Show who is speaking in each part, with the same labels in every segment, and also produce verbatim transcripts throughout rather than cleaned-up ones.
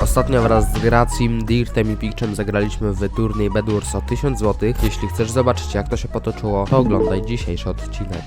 Speaker 1: Ostatnio wraz z Gracim, Dirtem i Pikczem zagraliśmy w turniej Bedwars o tysiąc złotych. Jeśli chcesz zobaczyć, jak to się potoczyło, to oglądaj dzisiejszy odcinek.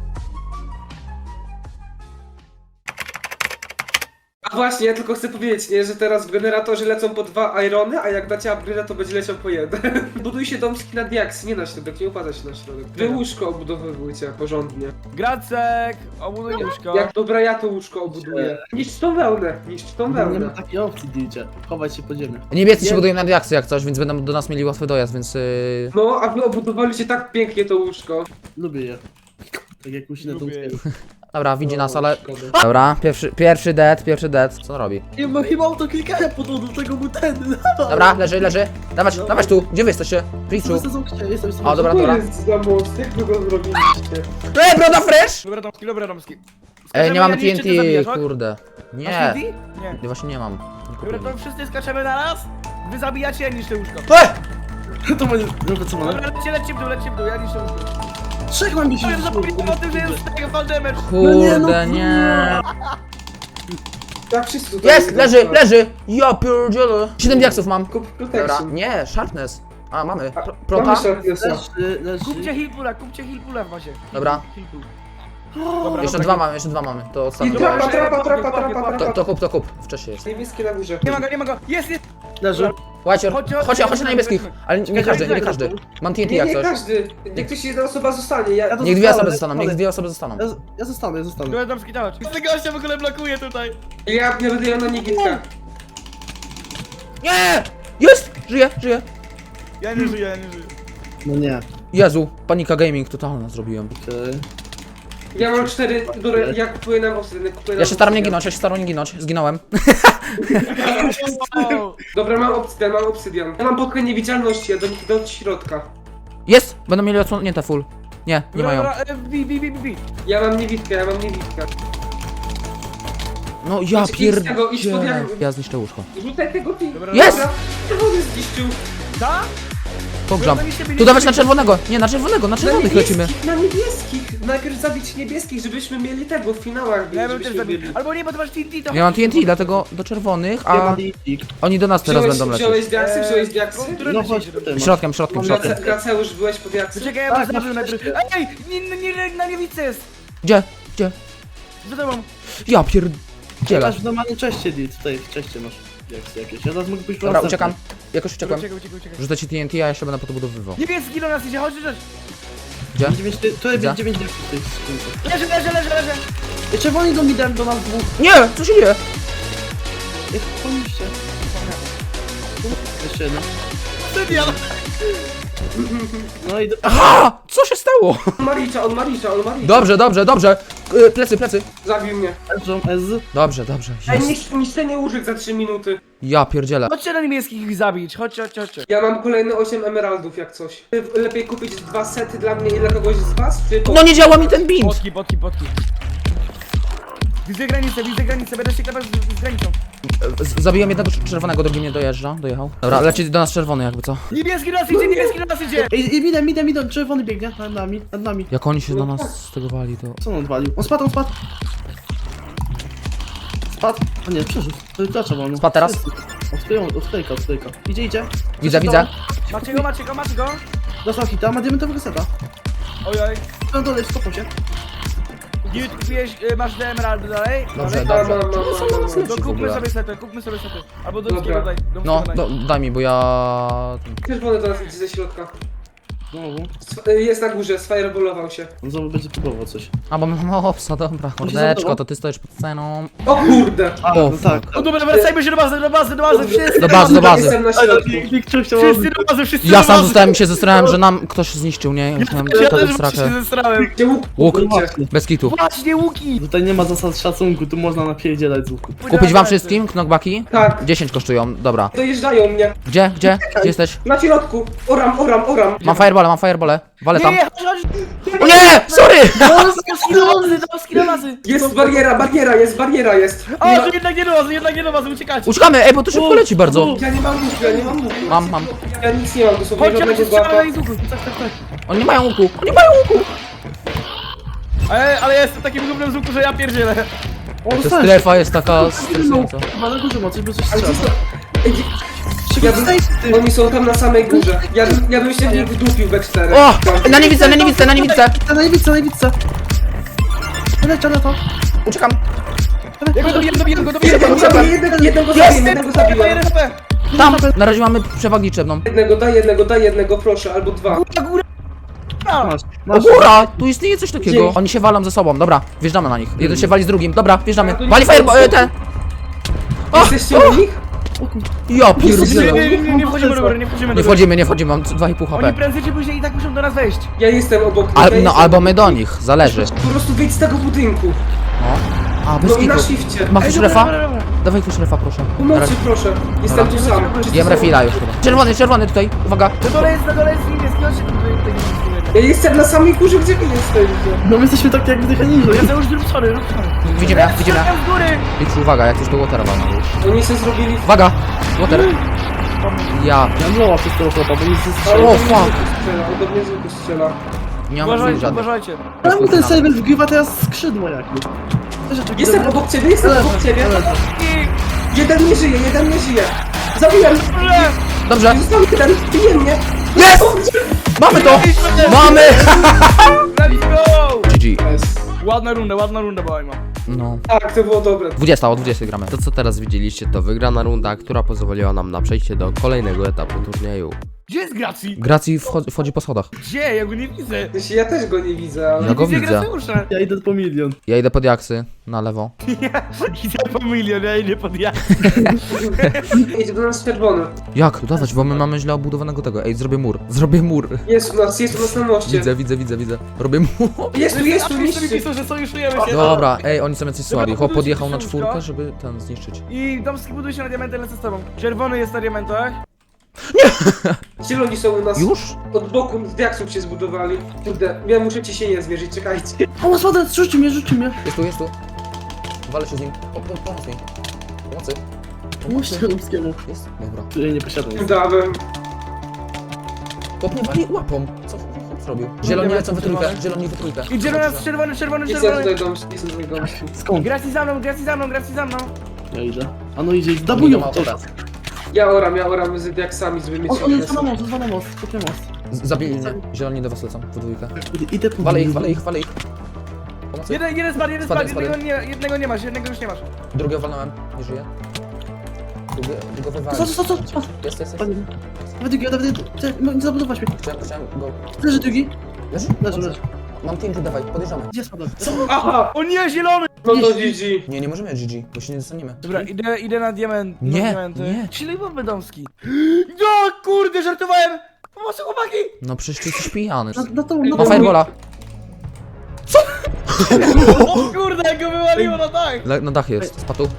Speaker 2: A właśnie, ja tylko chcę powiedzieć, nie, że teraz w generatorze lecą po dwa irony, a jak dacie upgrade'a, to będzie leciał po jeden. Buduj się domski na diaksy, nie na środek, nie upada się na środek. Wy łóżko obudowywujcie porządnie.
Speaker 3: Gracek, obuduj łóżko.
Speaker 2: Jak dobra, ja to łóżko obuduję. Niszcz tą wełnę, niszcz tą
Speaker 4: Nie
Speaker 2: wełnę.
Speaker 4: ma takiej opcji, diecie. Chować się pod ziemię.
Speaker 5: Niebiescy się
Speaker 4: Nie.
Speaker 5: budują na diaksy jak coś, więc będą do nas mieli łatwy dojazd, więc... Yy...
Speaker 2: No, a wy obudowaliście tak pięknie to łóżko.
Speaker 4: Lubię je. Tak jak musi na tą
Speaker 3: Lubię.
Speaker 5: Dobra, widzi nas, ale...
Speaker 2: Szkoda.
Speaker 5: Dobra, pierwszy, pierwszy dead, pierwszy dead. Co on robi?
Speaker 4: Nie ma chyba to klikałem po to, do tego był ten.
Speaker 5: Dobra, leży, leży. Dawać, dawać tu. Gdzie wy jesteście? Pridź tu.
Speaker 4: Jestem jestem jestem jestem.
Speaker 5: O, dobra,
Speaker 2: To
Speaker 5: dobra.
Speaker 2: jest za most, jak wy go zrobiliście?
Speaker 5: Ej, broda fresh!
Speaker 3: Dobra domski, dobra domski.
Speaker 5: Ej, nie mamy
Speaker 3: Skaczemy,
Speaker 5: T N
Speaker 3: ja nie
Speaker 5: T,
Speaker 3: chcę cię
Speaker 5: kurde.
Speaker 3: Masz
Speaker 5: Nie,
Speaker 3: T N T? Nie.
Speaker 5: ja właśnie nie mam.
Speaker 3: Dobra, to wszyscy skaczemy na raz. Wy zabijacie, ja niszczę łóżko.
Speaker 5: Ej!
Speaker 4: To będzie... Dobra, co mamy?
Speaker 3: Dobra, lećcie, lećcie w dół, lećcie w dół, ja niszczę łóżko.
Speaker 4: Trzech mam mi się
Speaker 3: Powiem, zapomniałem o tym, że jest tego fall damage.
Speaker 4: nie, no,
Speaker 5: Kurde, nie.
Speaker 2: Tak wszyscy tutaj
Speaker 5: Jest,
Speaker 2: są.
Speaker 5: leży, leży! Ja pierdzielę. siedem diaksów mam.
Speaker 2: Kup
Speaker 5: Dobra,
Speaker 2: protection.
Speaker 5: nie, sharpness. A, mamy. Pro-
Speaker 2: Mamy
Speaker 5: Prota?
Speaker 2: sharpnessa.
Speaker 4: Leży, leży.
Speaker 3: Kupcie healpula, kupcie healpula w bazie.
Speaker 5: Dobra.
Speaker 3: Healpool.
Speaker 4: Dobra,
Speaker 5: Jeszcze
Speaker 3: dobra.
Speaker 5: dwa mamy, jeszcze dwa mamy. To
Speaker 2: I
Speaker 5: ostatnio.
Speaker 2: trapa, trapa, trapa, trapa,
Speaker 5: To,
Speaker 2: trapa.
Speaker 5: to kup, to kup. Wcześniej jest.
Speaker 2: Niebieskie na górze.
Speaker 3: Nie ma go, nie ma go. Jest, jest.
Speaker 4: Leży.
Speaker 5: Łajcior,
Speaker 3: Chodź,
Speaker 5: chodź,
Speaker 3: chodź,
Speaker 5: chodź,
Speaker 3: chodź,
Speaker 5: na niebieskich.
Speaker 3: chodź.
Speaker 5: Ale nie każdy, nie każdy. Mam T N T
Speaker 2: Nie,
Speaker 5: jak
Speaker 2: nie
Speaker 5: coś.
Speaker 2: każdy. Niech ktoś jedna osoba zostanie. Ja...
Speaker 4: Ja to
Speaker 5: Niech dwie
Speaker 4: zostanę,
Speaker 5: osoby zostaną, niech
Speaker 4: zostanę.
Speaker 5: dwie osoby zostaną.
Speaker 4: Ja, ja zostanę, ja zostanę.
Speaker 3: Dobra domski, dawać. Ten gościa w ogóle blokuje tutaj.
Speaker 2: Ja nie będę ją na nigitkach.
Speaker 5: Nie! Jest! Żyje, żyje.
Speaker 3: Ja nie żyję, ja nie żyję.
Speaker 4: No nie.
Speaker 5: Jezu, panika gaming totalna zrobiłem.
Speaker 4: Okej.
Speaker 2: Ja mam cztery, które ja kupuję na obsydian, kupuję na
Speaker 5: Ja się staram nie
Speaker 2: obsydian.
Speaker 5: ginąć, ja się staram nie ginąć. Zginąłem.
Speaker 2: Dobra, mam obsydian, mam obsydian. Ja mam podkę niewidzialności, ja do nich do środka.
Speaker 5: Jest! Będą mieli odsłonięte full. Nie, nie mają.
Speaker 3: Bi, bi, bi, bi.
Speaker 2: Ja mam niewidkę, ja mam niewidkę.
Speaker 5: No ja
Speaker 2: Idź- idź z tego, idź pod
Speaker 5: pierdzielę.
Speaker 2: jak-
Speaker 5: Ja zniszczę łóżko.
Speaker 2: Rzucaj tego ty.
Speaker 3: Dobra,
Speaker 5: Jest!
Speaker 2: Czerwony zniszczył.
Speaker 3: Ta?
Speaker 5: Pogrzam.
Speaker 3: Bo oni się byli-
Speaker 5: Tu dawać na czerwonego! Nie, na czerwonego, na
Speaker 2: Na
Speaker 5: czerwonych lecimy.
Speaker 2: niebieskich, na niebieskich. Najpierw zabić niebieskich, żebyśmy mieli tego w finałach.
Speaker 3: Ja bym też
Speaker 2: żebyśmy
Speaker 3: zabił.
Speaker 2: mieli.
Speaker 3: Albo nie, bo ty masz T N T, to...
Speaker 5: Ja mam T N T, dlatego do czerwonych,
Speaker 4: Ja mam
Speaker 5: a
Speaker 4: ditik.
Speaker 5: oni do nas teraz
Speaker 2: Wziąłeś,
Speaker 5: będą lecieć.
Speaker 2: wziąłeś diaksy, wziąłeś diaksy?
Speaker 3: Które
Speaker 4: No
Speaker 3: leci?
Speaker 4: chodź tutaj.
Speaker 5: Środkiem, środkiem, środkiem.
Speaker 2: Grace- Graceusz, byłeś po diaksy?
Speaker 3: Czekaj, ja
Speaker 4: Tak,
Speaker 3: bym zabił
Speaker 4: masz
Speaker 3: najpierw.
Speaker 4: szczęście.
Speaker 3: Ej, nie, nie, nie, na niewicy jest.
Speaker 5: Gdzie? Gdzie?
Speaker 3: Za tobą.
Speaker 5: Ja pierdzielę.
Speaker 4: Masz w normalnym czeście, dit. Tutaj w czeście masz diaksy jakieś. Ja zaraz mogę pójść po
Speaker 5: Dobra,
Speaker 4: następne.
Speaker 5: uciekam. Jakoś uciekłem.
Speaker 3: Uciekaj, uciekaj, uciekaj.
Speaker 5: Rzucę ci T N T, a ja się będę podobudowywał.
Speaker 3: Niebieski do nas idzie, chodź, chodź.
Speaker 5: Gdzie?
Speaker 4: Dziewięć- Tutaj
Speaker 5: Widzę.
Speaker 4: będzie dziewięć diaksów w tej skrzynce.
Speaker 3: Leży, leży, leży, leży.
Speaker 4: Ej, czerwoni do midem do nas dwóch.
Speaker 5: Nie! Co się dzieje?
Speaker 4: Jak pomyślcie. Jeszcze jedno.
Speaker 3: Sydian.
Speaker 4: No i do...
Speaker 5: Aha! Co się stało?
Speaker 2: On ma licza, on ma licza, on ma licza.
Speaker 5: Dobrze, dobrze, dobrze. Y, Plecy, plecy.
Speaker 2: Zabił mnie.
Speaker 4: Leżą S.
Speaker 5: Dobrze, dobrze.
Speaker 2: Ej,
Speaker 5: Jest.
Speaker 2: niszcz- niszczenie łóżek za trzy minuty.
Speaker 5: Ja pierdzielę.
Speaker 3: Chodźcie na niebieskich ich zabić, chodźcie, chodźcie, chodźcie.
Speaker 2: Ja mam kolejne osiem emeraldów jak coś. Lepiej kupić dwa sety dla mnie i dla kogoś z was, czy...
Speaker 5: No nie działa mi ten bint!
Speaker 3: Potki, potki, potki. Widzę granicę, widzę granicę, będę się klepać z, z granicą.
Speaker 5: Z- Zabiłem jednego cz- czerwonego, drugi nie dojeżdża, dojechał. Dobra, leci do nas czerwony jakby co.
Speaker 3: Niebieski do nas idzie, niebieski do nas idzie.
Speaker 4: Ej, i midem, midem, midem, czerwony biegnie nad nami, nad nami.
Speaker 5: Jak oni się na nas stegowali, to...
Speaker 4: Co on odwalił? On spadł, on spadł. Spadł. O nie, przeżył. To jest dlaczego on?
Speaker 5: Spadł teraz?
Speaker 4: Od skleja, od sklejka, od sklejka. Idzie, idzie.
Speaker 5: Widzę, widzę.
Speaker 3: Macie go, macie go, macie go.
Speaker 4: Dostał hita, ma diamentowego seta.
Speaker 3: Ojoj.
Speaker 4: Na dole, skopał się.
Speaker 3: Gdzie kupiłeś, y, masz te emeraldy dalej?
Speaker 5: Dobrze,
Speaker 3: dalej?
Speaker 2: Mam,
Speaker 5: dobrze.
Speaker 2: mam, mam, mam, mam, mam.
Speaker 3: To
Speaker 5: w
Speaker 3: kupmy
Speaker 5: ogóle.
Speaker 3: sobie sety, kupmy sobie sety. Albo do
Speaker 2: Dobra.
Speaker 3: Domskiego daj, do
Speaker 5: No,
Speaker 3: Domskiego daj.
Speaker 5: do, daj mi, bo ja...
Speaker 2: Czerwony do nas idzie ze środka.
Speaker 4: Znowu.
Speaker 2: Sw- Jest na górze, sfireballował się.
Speaker 4: On znowu będzie próbował coś.
Speaker 5: A, bo mamy opsa, dobra. Mordeczko, to ty stoisz pod sceną.
Speaker 2: O kurde!
Speaker 4: A,
Speaker 5: O,
Speaker 4: no tak.
Speaker 3: O dobra, wracajmy się do bazy, do bazy, do bazy, wszyscy
Speaker 5: Do bazy, do bazy.
Speaker 2: Jestem na środku.
Speaker 3: Wszyscy do bazy, wszyscy
Speaker 5: Ja
Speaker 3: do
Speaker 5: sam
Speaker 3: bazy.
Speaker 5: zostałem, się zestrałem, że nam ktoś zniszczył, nie? Ja myślałem,
Speaker 3: Ja
Speaker 5: że to
Speaker 3: też
Speaker 5: jest
Speaker 3: właśnie
Speaker 5: strakę.
Speaker 3: się zestrałem.
Speaker 2: Gdzie łuk?
Speaker 5: Łuk,
Speaker 2: Kupujcie.
Speaker 5: bez kitu.
Speaker 3: Właśnie, łuki!
Speaker 4: Tutaj nie ma zasad szacunku, tu można napierdzielać z łuku.
Speaker 5: Kupić wam wszystkim knockbacki?
Speaker 2: Tak.
Speaker 5: dziesięć kosztują, dobra.
Speaker 2: Dojeżdżają mnie.
Speaker 5: Gdzie, gdzie? Gdzie jesteś?
Speaker 2: Na środku. Oram, oram, oram.
Speaker 5: Mam firebole, mam firebole. Walę
Speaker 3: Nie,
Speaker 5: tam.
Speaker 3: nie, chodź, chodź!
Speaker 5: O nie! Sorry!
Speaker 3: Domski do bazy, Domski do bazy!
Speaker 2: Jest bariera, bariera jest, bariera jest.
Speaker 3: O,
Speaker 2: Nie
Speaker 3: to jednak nie do bazy, jednak nie do bazy, uciekajcie!
Speaker 5: Uciekamy, ej, bo tu szybko leci bardzo.
Speaker 2: ma- Ja nie mam łuku, ja nie mam łuku.
Speaker 5: Mam, mam.
Speaker 2: Ja nic nie mam, dosłownie
Speaker 3: Chodźcie,
Speaker 2: żadnego
Speaker 3: chodźcie, strzelamy
Speaker 2: głapa.
Speaker 3: na ich z łuku. Tak, tak, tak.
Speaker 5: Oni nie mają łuku, oni mają łuku.
Speaker 3: Ale, ale ja jestem takim głównym z łuku, że ja pierdzielę.
Speaker 4: O,
Speaker 5: Ta
Speaker 4: dostałeś.
Speaker 5: strefa jest taka stresująca.
Speaker 4: Chyba na górze ma coś, bo coś
Speaker 2: Ale
Speaker 4: strzela.
Speaker 2: to... Ej,
Speaker 4: Czego
Speaker 2: ja bym...
Speaker 4: dostajesz ty?
Speaker 2: Oni są tam na samej górze. Ja bym, ja bym się w nich wdupił we czterech.
Speaker 5: O!
Speaker 2: Tam.
Speaker 5: Na niewidce, na niewidce, na niewidce!
Speaker 4: Na najwica, najwica. Leciał na to.
Speaker 5: Uciekam.
Speaker 3: Ja go dobiję, dobiję go, dobiję
Speaker 2: Jednego
Speaker 3: go.
Speaker 2: zabiję, jednego, jednego zabiję, jednego zabiłem.
Speaker 5: Tam! Na razie mamy przewagę liczebną.
Speaker 2: Jednego, daj jednego, daj jednego, proszę, albo dwa.
Speaker 3: Góra, góra.
Speaker 4: Masz,
Speaker 5: O
Speaker 4: masz.
Speaker 5: góra! Tu istnieje coś takiego.
Speaker 2: Dzięki.
Speaker 5: Oni się walą ze sobą. Dobra, wjeżdżamy na nich. Jeden się wali z drugim. Dobra, wjeżdżamy. Wali fireball, e, te! O!
Speaker 2: Jesteście u nich?
Speaker 5: Ja
Speaker 3: Nie,
Speaker 5: pierdzielę.
Speaker 3: nie, nie, nie, nie wchodzimy do góry, nie wchodzimy
Speaker 5: Nie
Speaker 3: do góry.
Speaker 5: wchodzimy, nie wchodzimy, mam dwa i pół
Speaker 3: Oni
Speaker 5: H P.
Speaker 3: prędzej czy później i tak muszą do nas wejść.
Speaker 2: Ja jestem obok nich.
Speaker 5: Al,
Speaker 2: ja
Speaker 5: no
Speaker 2: jestem
Speaker 5: albo
Speaker 2: obok
Speaker 5: my
Speaker 2: nich.
Speaker 5: do nich, zależy.
Speaker 2: Po prostu wyjdź z tego budynku.
Speaker 5: No. A, bez
Speaker 2: No i na
Speaker 5: kitu.
Speaker 2: shifcie.
Speaker 5: Masz
Speaker 3: Ej,
Speaker 5: już
Speaker 3: dobra,
Speaker 5: refa?
Speaker 3: dobra, dobra.
Speaker 5: Dawaj tu refa, proszę. Na
Speaker 2: Pomocy,
Speaker 5: razie.
Speaker 2: proszę. Jestem tu sam. Czy
Speaker 5: Jem
Speaker 2: są-
Speaker 5: refila już chyba. Czerwony, czerwony tutaj, uwaga.
Speaker 3: Na dole jest, na dole jest niebieski, chodźcie tu do tego niebieskiego.
Speaker 2: Ja jestem na samej górze, gdzie wy jesteście.
Speaker 4: No my jesteśmy tak jak wdychani.
Speaker 3: Ja to już zrób sorry, rób sorry.
Speaker 5: Widzimy, widzimy.
Speaker 3: Strzelają z góry.
Speaker 5: Licz, uwaga, jak coś tu watera walną już.
Speaker 2: Oni się zrobili...
Speaker 5: Uwaga! Water. Ja.
Speaker 4: Ja młoła przez tego chłopa, bo nic nie
Speaker 2: Ale
Speaker 4: strzela.
Speaker 5: O,
Speaker 2: on do mnie
Speaker 5: fuck.
Speaker 2: z łuku strzela, on do mnie z łuku strzela.
Speaker 5: Nie mam dwóch
Speaker 3: Uważajcie,
Speaker 5: żadnych.
Speaker 3: uważajcie.
Speaker 4: Czemu ten serwer wgrywa teraz skrzydło jakieś? Też takie
Speaker 2: Jestem
Speaker 4: dobre-
Speaker 2: obok ciebie, jestem
Speaker 4: Ale-
Speaker 2: obok ciebie.
Speaker 4: ale-
Speaker 3: I...
Speaker 2: Jeden nie żyje, jeden nie żyje. Zabiłem!
Speaker 3: Dobrze.
Speaker 5: Dobrze.
Speaker 2: Został jeden, bije mnie!
Speaker 5: Jest! Mamy to! Mamy!
Speaker 3: Let's go!
Speaker 5: G G.
Speaker 3: Ładna runda, ładna runda była ima.
Speaker 5: No.
Speaker 2: Tak, to było dobre.
Speaker 5: dwudziesta, o dwudziestej gramy.
Speaker 1: To co teraz widzieliście to wygrana runda, która pozwoliła nam na przejście do kolejnego etapu turnieju.
Speaker 3: Gdzie jest Gracji?
Speaker 5: Gracji wchodzi, wchodzi po schodach.
Speaker 3: Gdzie? Ja go nie widzę.
Speaker 2: Znaczy, ja też go nie widzę, ale...
Speaker 5: Ja go
Speaker 3: Widzę
Speaker 5: widzę.
Speaker 3: Gracjusza.
Speaker 4: Ja idę po milion.
Speaker 5: Ja idę pod jaksy, na lewo.
Speaker 3: Ja idę po milion, ja idę pod ja.
Speaker 2: Idź do nas czerwony.
Speaker 5: Jak? Dawać, bo my mamy źle obudowanego tego. Ej, zrobię mur. Zrobię mur.
Speaker 2: Jest u nas, jest u nas na moście.
Speaker 5: Widzę, widzę, widzę, widzę. Robię mur.
Speaker 2: Jest tu, jest tu,
Speaker 3: A wszyscy mi
Speaker 2: niszczy.
Speaker 3: piszą, że sojuszujemy się.
Speaker 5: Dobra, ej, oni są jacyś słabi. Chłop
Speaker 3: budujcie
Speaker 5: podjechał na
Speaker 3: szybko.
Speaker 5: czwórkę, żeby ten zniszczyć.
Speaker 3: I Domski buduje się na diamenty, lecę z tobą. Czerwony jest na diamentach.
Speaker 2: Zieloni są u nas.
Speaker 5: Już?
Speaker 2: Od boku z diaksów się zbudowali. Kurde, ja muszę ciśnienie zmierzyć, czekajcie.
Speaker 4: O, sładę, rzuci mnie, rzuci mnie.
Speaker 5: Jest tu, jest tu. Walę się z nim. O, po, pomóż mi. Pomocy.
Speaker 4: Pomóżcie Chomskiemu.
Speaker 5: Jest? Dobra.
Speaker 4: Który nie posiadam.
Speaker 2: Dałem.
Speaker 5: Chłop mnie wali łapą. Co chłop zrobił? Zieloni lecą we trójkę, zieloni we trójkę.
Speaker 3: I zielony jest czerwony, czerwony,
Speaker 2: Jest ja
Speaker 3: czerwony.
Speaker 2: tutaj dom, jest tutaj dom.
Speaker 4: Skąd?
Speaker 3: Gracji za mną, gracji za mną, gracji za mną.
Speaker 4: Ja idę. A no idzie,
Speaker 5: Idą
Speaker 4: zdabują
Speaker 5: ma
Speaker 4: to.
Speaker 5: teraz.
Speaker 2: Ja oram, ja oram z diaksami, żeby mieć
Speaker 4: On, on jest
Speaker 2: szansę.
Speaker 4: na most, jest na most, kopie most.
Speaker 5: Z- Zabili mnie. Zieloni do was lecą we dwójkę.
Speaker 4: Idę, idę po
Speaker 5: Walę ich, walę ich, walę ich. Pomocy.
Speaker 3: Jeden, jeden spadł, jeden
Speaker 5: Spadaj,
Speaker 3: spadł, jednego nie, jednego nie masz, jednego już nie masz.
Speaker 5: Drugiego walnąłem, nie żyje. Drugie, drugiego
Speaker 4: Co,
Speaker 5: wywaliłem.
Speaker 4: co, co, co?
Speaker 5: Jest, jest, jest.
Speaker 4: Panie, Dawaj drugi, dawaj drugi. No, nie zabudować mnie.
Speaker 5: Chciałem, chciałem go...
Speaker 4: Leży drugi.
Speaker 5: Leży?
Speaker 4: Leży, leży.
Speaker 5: Mam T N T, dawaj, podjeżdżamy.
Speaker 4: Gdzie spadł?
Speaker 2: Aha!
Speaker 3: O nie, zielony!
Speaker 2: No to G G.
Speaker 5: Nie, nie możemy G G, bo się nie dostaniemy.
Speaker 3: Dobra, idę, idę na diament.
Speaker 5: Nie,
Speaker 3: na diamenty.
Speaker 5: nie.
Speaker 3: Silny bomby domski. No kurde, żartowałem! Pomocy chłopaki!
Speaker 5: No przecież ty jesteś pijany.
Speaker 4: Na, na tą, na
Speaker 5: Mam
Speaker 4: tą.
Speaker 5: firebola.
Speaker 3: O kurde, jak go wywaliło na dach!
Speaker 5: Le na dach jest, spadł.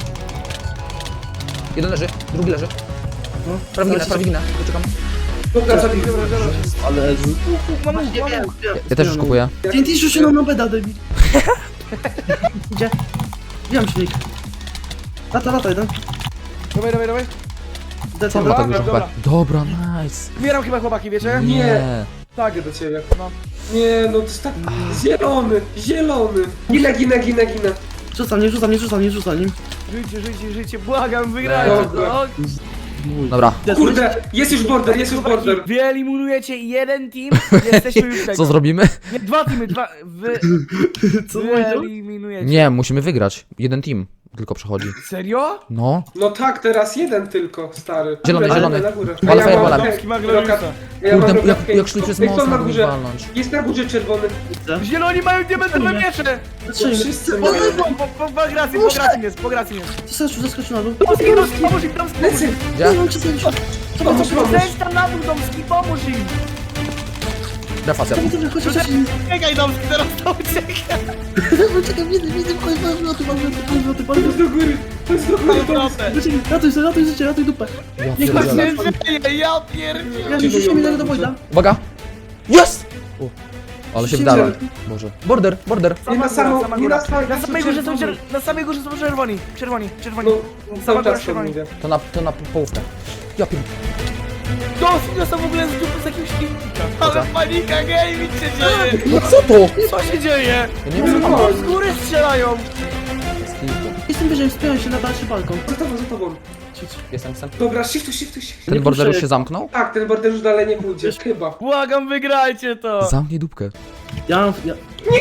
Speaker 5: Jeden leży, drugi leży. Prawie ginę, prawie ginę, poczekam.
Speaker 2: Dobra, zabiję.
Speaker 4: Ale...
Speaker 3: Mam łuk, mam łuk.
Speaker 5: Ja też już kupuję.
Speaker 4: T N T rzucił nam na beda, debil. Gdzie? Wiem silnik. Lata, lata jeden.
Speaker 3: Dawaj, dawaj, dawaj.
Speaker 4: Dead,
Speaker 5: Co on ma
Speaker 4: dobra.
Speaker 5: tak dużo
Speaker 3: dobra.
Speaker 5: H P? Dobra, nice.
Speaker 3: Zbieram chyba chłopaki, wiecie?
Speaker 5: Nie.
Speaker 2: Tak, do ciebie.
Speaker 3: No.
Speaker 2: Nie, no to jest tak... Zielony, zielony. Ginę, ginę, ginę, ginę.
Speaker 4: Rzucam, nie rzucam, nie rzucam, nie rzucam nim.
Speaker 3: Żyjcie, żyjcie, żyjcie, błagam, wygrajcie
Speaker 2: Dobra.
Speaker 3: to.
Speaker 5: Dobra.
Speaker 2: Kurde, jest już border, jest już border.
Speaker 3: Wy eliminujecie jeden team, jesteśmy już tego.
Speaker 5: Co zrobimy?
Speaker 3: Nie, dwa teamy, dwa, wy,
Speaker 4: Co
Speaker 3: wy
Speaker 4: powiedział?
Speaker 3: eliminujecie.
Speaker 5: Nie, musimy wygrać. Jeden team tylko przechodzi.
Speaker 3: Serio?
Speaker 5: No.
Speaker 2: No tak, teraz jeden tylko, stary.
Speaker 5: Zielony,
Speaker 2: Na górę,
Speaker 5: zielony.
Speaker 2: na górę.
Speaker 5: Wal
Speaker 2: A ja mam
Speaker 5: fireballem.
Speaker 2: rokat-
Speaker 3: Domski ma gloriusa.
Speaker 2: ja mam
Speaker 5: Kurde,
Speaker 2: rokat
Speaker 5: jak,
Speaker 2: pięć.
Speaker 5: jak szli przez
Speaker 2: Ej,
Speaker 5: most,
Speaker 2: kto na
Speaker 5: mogli
Speaker 2: górze?
Speaker 5: walnąć.
Speaker 2: Jest na górze czerwony.
Speaker 3: Zieloni mają diamentowe miecze!
Speaker 4: Patrzymy.
Speaker 2: Wszyscy
Speaker 3: Po,
Speaker 2: mają.
Speaker 3: po, po, po, po gracji, po gracji jest, po gracji jest.
Speaker 4: Zaskoczył, zaskoczył na dół.
Speaker 3: Domski, Domski, pomóż im, Domski, pomóż
Speaker 2: Lecę.
Speaker 3: im.
Speaker 5: Gdzie?
Speaker 4: Nie wiem, czy sobie rzucił.
Speaker 2: Pomóż, pomóż.
Speaker 3: Zejdź tam na dół, Domski, pomóż im.
Speaker 5: Defacja.
Speaker 4: Dobra, dobra, chodź, chodź, chodź.
Speaker 3: Czekaj, Domski, teraz to ucieka.
Speaker 4: Czekaj, widzę, widzę, chodź, chodź, chodź, chodź, chodź, chodź, chodź,
Speaker 2: To jest do góry, to jest do góry. to jest-
Speaker 4: Czekaj, ratuj sobie, ratuj życie, ratuj dupę.
Speaker 5: Ja
Speaker 4: Niech
Speaker 5: pierdzielę.
Speaker 3: Nie żyje, ja pierdzielę.
Speaker 4: Ja rzuciłem jednego do Wojda.
Speaker 5: Uwaga! Jest! U. Ale się
Speaker 4: Rzuciłem
Speaker 5: wdałem.
Speaker 4: żelki.
Speaker 5: Boże. Border, border.
Speaker 2: Nie na samą, nie na samą,
Speaker 3: Na samej górze są czer- na samej górze są czerwoni, czerwoni, czerwoni.
Speaker 2: No, cały czas to
Speaker 3: czerwoni.
Speaker 2: mówię.
Speaker 5: To na, to na połówkę. Ja pier...
Speaker 3: Domski dostał w ogóle z dupy z jakiegoś filmika. Ale panika, gaming się dzieje.
Speaker 5: No co to?
Speaker 3: Co się dzieje?
Speaker 5: Ja nie wiem co tam.
Speaker 3: O, z góry strzelają.
Speaker 5: kilku.
Speaker 4: Jestem wyżej, wspieram się na dalszy balkon.
Speaker 2: Za tobą, za tobą.
Speaker 5: Jestem, jestem.
Speaker 2: Dobra, shiftuj, shiftuj, shiftuj.
Speaker 5: Ten border już się zamknął?
Speaker 2: Tak, ten border już dalej nie pójdzie, chyba.
Speaker 3: Błagam, wygrajcie to!
Speaker 1: Zamknij dupkę.
Speaker 4: Ja mam... Ja...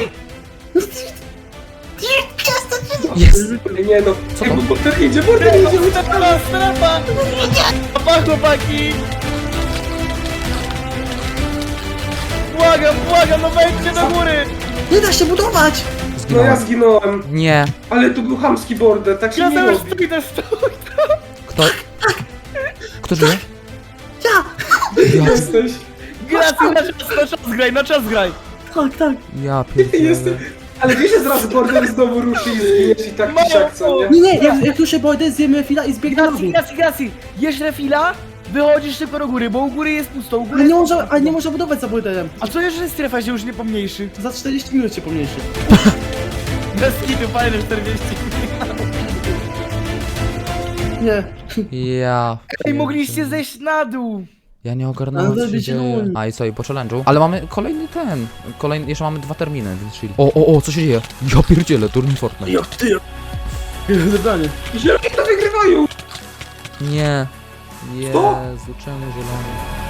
Speaker 1: Jest!
Speaker 2: Nie no,
Speaker 1: Co
Speaker 2: Ej,
Speaker 1: tam?
Speaker 2: bo border idzie, border idzie, uciekamy.
Speaker 3: Strefa, strefa! Pa, chłopaki! Błagam, błagam, no wejdźcie do góry!
Speaker 4: Nie da się budować!
Speaker 2: No ja
Speaker 1: Zginąłem.
Speaker 2: zginąłem.
Speaker 1: Nie.
Speaker 2: Ale tu był chamski border, tak się
Speaker 3: Ja
Speaker 2: nie
Speaker 3: tam już
Speaker 2: robi.
Speaker 3: stój, też stój!
Speaker 1: Kto? Kto żyje?
Speaker 4: Ja!
Speaker 1: Ja,
Speaker 2: Jesteś.
Speaker 3: Gracji, na czas, na czas graj, na czas graj!
Speaker 4: Tak, tak.
Speaker 1: ja
Speaker 2: Ty jesteś.
Speaker 1: pierdzielę.
Speaker 2: Ale wiesz, że zaraz border znowu ruszy i zginiesz i tak i siak, co nie?
Speaker 4: Nie, nie, jak, jak już się bojdę, zjemy chwila i zbiegnę na
Speaker 3: Gracji,
Speaker 4: dół.
Speaker 3: gracji, gracji! Jesz refila, wychodzisz szybko do góry, bo u góry jest pusto, u góry
Speaker 4: Ale nie
Speaker 3: jest
Speaker 4: można,
Speaker 3: pusto.
Speaker 4: ale nie można budować za bojderem.
Speaker 3: A co jeżeli strefa się już nie pomniejszy?
Speaker 4: Za czterdzieści minut się pomniejszy.
Speaker 3: Bez kitu, fajne czterdzieści.
Speaker 4: Nie.
Speaker 1: Ja.
Speaker 3: Ej, mogliście zejść na dół!
Speaker 1: Ja nie ogarnąłem,
Speaker 4: Ale
Speaker 1: co się
Speaker 4: zrobić
Speaker 1: dzieje.
Speaker 4: run.
Speaker 1: A i co, i po challenge'u? Ale mamy kolejny ten. Kolejny, jeszcze mamy dwa terminy, więc chill. O, o, o, co się dzieje? Ja pierdzielę, turniej Fortnite.
Speaker 4: Jak ty? Zebranie.
Speaker 2: Zieloni to wygrywają!
Speaker 1: Nie.
Speaker 2: Co?
Speaker 1: Jezu, czemu zielony?